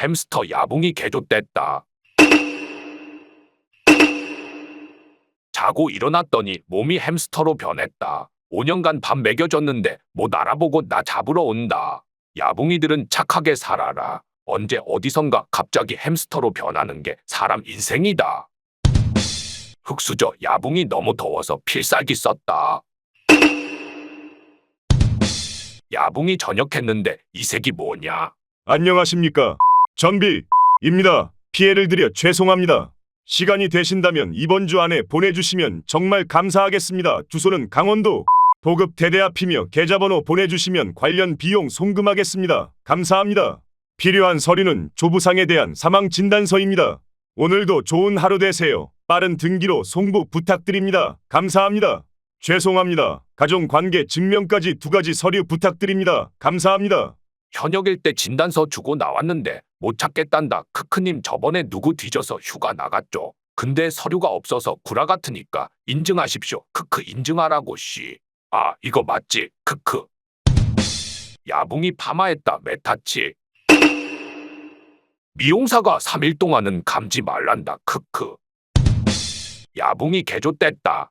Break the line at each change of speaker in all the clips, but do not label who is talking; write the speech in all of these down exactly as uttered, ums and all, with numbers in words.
햄스터 야붕이 개조됐다. 자고 일어났더니 몸이 햄스터로 변했다. 오 년간 밥 먹여줬는데 못 알아보고 나 잡으러 온다. 야붕이들은 착하게 살아라. 언제 어디선가 갑자기 햄스터로 변하는 게 사람 인생이다. 흙수저 야붕이 너무 더워서 필살기 썼다. 야붕이 전역했는데 이 색이 뭐냐?
안녕하십니까. 전비입니다. 피해를 드려 죄송합니다. 시간이 되신다면 이번 주 안에 보내주시면 정말 감사하겠습니다. 주소는 강원도 도급 대대 앞이며 계좌번호 보내주시면 관련 비용 송금하겠습니다. 감사합니다. 필요한 서류는 조부상에 대한 사망진단서입니다. 오늘도 좋은 하루 되세요. 빠른 등기로 송부 부탁드립니다. 감사합니다. 죄송합니다. 가족관계 증명까지 두 가지 서류 부탁드립니다. 감사합니다.
현역일 때 진단서 주고 나왔는데 못 찾겠단다. 크크님 저번에 누구 뒤져서 휴가 나갔죠. 근데 서류가 없어서 구라 같으니까 인증하십시오. 크크 인증하라고 씨. 아 이거 맞지? 크크. 야붕이 파마했다. 메타치. 미용사가 삼 일 동안은 감지 말란다. 크크. 야붕이 개조됐다.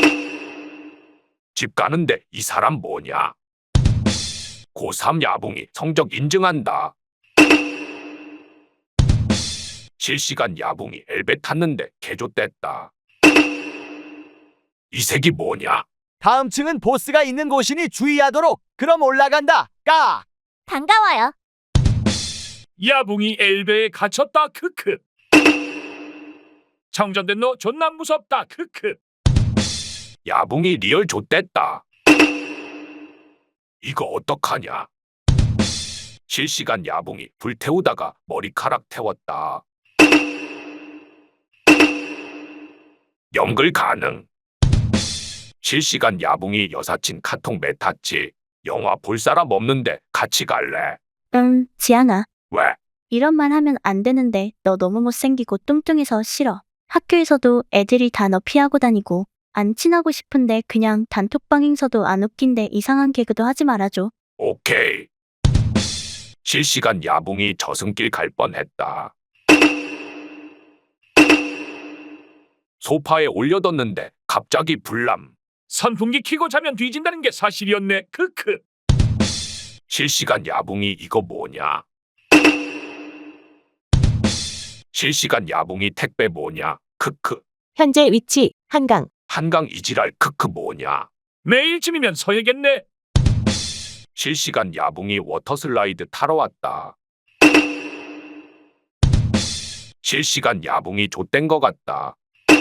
집 가는데 이 사람 뭐냐? 고삼 야붕이 성적 인증한다. 실시간 야붕이 엘베 탔는데 개조됐다. 이 색이 뭐냐?
다음 층은 보스가 있는 곳이니 주의하도록. 그럼 올라간다. 까!
반가워요.
야붕이 엘베에 갇혔다. 크크. 정전된 너 존나 무섭다. 크크.
야붕이 리얼 좆됐다. 이거 어떡하냐? 실시간 야붕이 불태우다가 머리카락 태웠다. 연글 가능. 실시간 야붕이 여사친 카톡 메타치. 영화 볼 사람 없는데 같이 갈래?
음, 지안아.
왜?
이런 말 하면 안 되는데 너 너무 못생기고 뚱뚱해서 싫어. 학교에서도 애들이 다 너 피하고 다니고 안 친하고 싶은데 그냥 단톡방 행서도 안 웃긴데 이상한 개그도 하지 말아줘.
오케이. 실시간 야붕이 저승길 갈 뻔했다. 소파에 올려뒀는데 갑자기 불남.
선풍기 켜고 자면 뒤진다는 게 사실이었네. 크크.
실시간 야붕이 이거 뭐냐? 실시간 야붕이 택배 뭐냐? 크크.
현재 위치 한강.
한강 이지랄 크크 뭐냐?
내일쯤이면 서야겠네.
실시간 야붕이 워터슬라이드 타러 왔다. 실시간 야붕이 좆된 것 같다.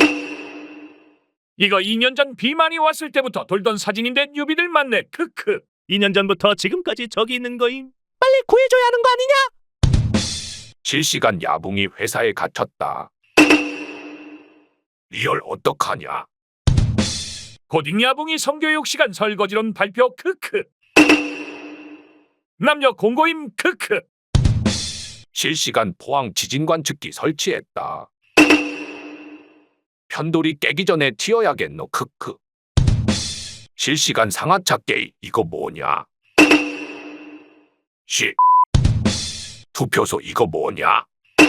이거 이 년 전 비 많이 왔을 때부터 돌던 사진인데 뉴비들 많네. 크크.
이 년 전부터 지금까지 저기 있는 거임. 빨리 구해줘야 하는 거 아니냐?
실시간 야붕이 회사에 갇혔다. 리얼 어떡하냐?
고딩 야붕이 성교육 시간 설거지론 발표. 크크. 남녀 공고임. 크크.
실시간 포항 지진 관측기 설치했다. 편돌이 깨기 전에 튀어야겠노. 크크. 실시간 상하차 게임 이거 뭐냐? 시. 투표소 이거 뭐냐?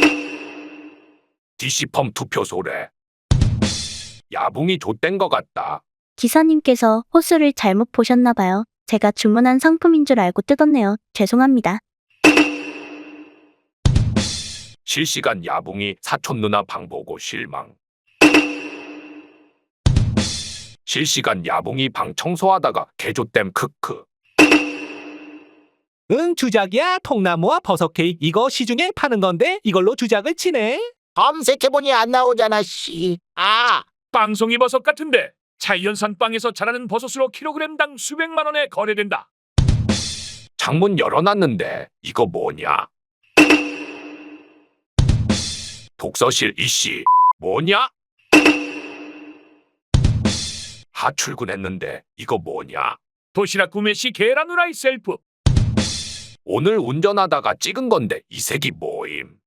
디시펌 투표소래. 야붕이 좆된 것 같다.
기사님께서 호수를 잘못 보셨나 봐요. 제가 주문한 상품인 줄 알고 뜯었네요. 죄송합니다.
실시간 야붕이 사촌 누나 방 보고 실망. 실시간 야붕이 방 청소하다가 개조댐 크크.
응, 주작이야. 통나무와 버섯 케이크 이거 시중에 파는 건데 이걸로 주작을 치네.
검색해보니 안 나오잖아, 씨. 아,
빵송이 버섯 같은데 자이언산 빵에서 자라는 버섯으로 킬로그램당 수백만 원에 거래된다.
창문 열어놨는데 이거 뭐냐? 독서실 이씨 뭐냐? 하 출근했는데 이거 뭐냐?
도시락 구매 시 계란 후라이 셀프.
오늘 운전하다가 찍은 건데 이 색이 뭐임?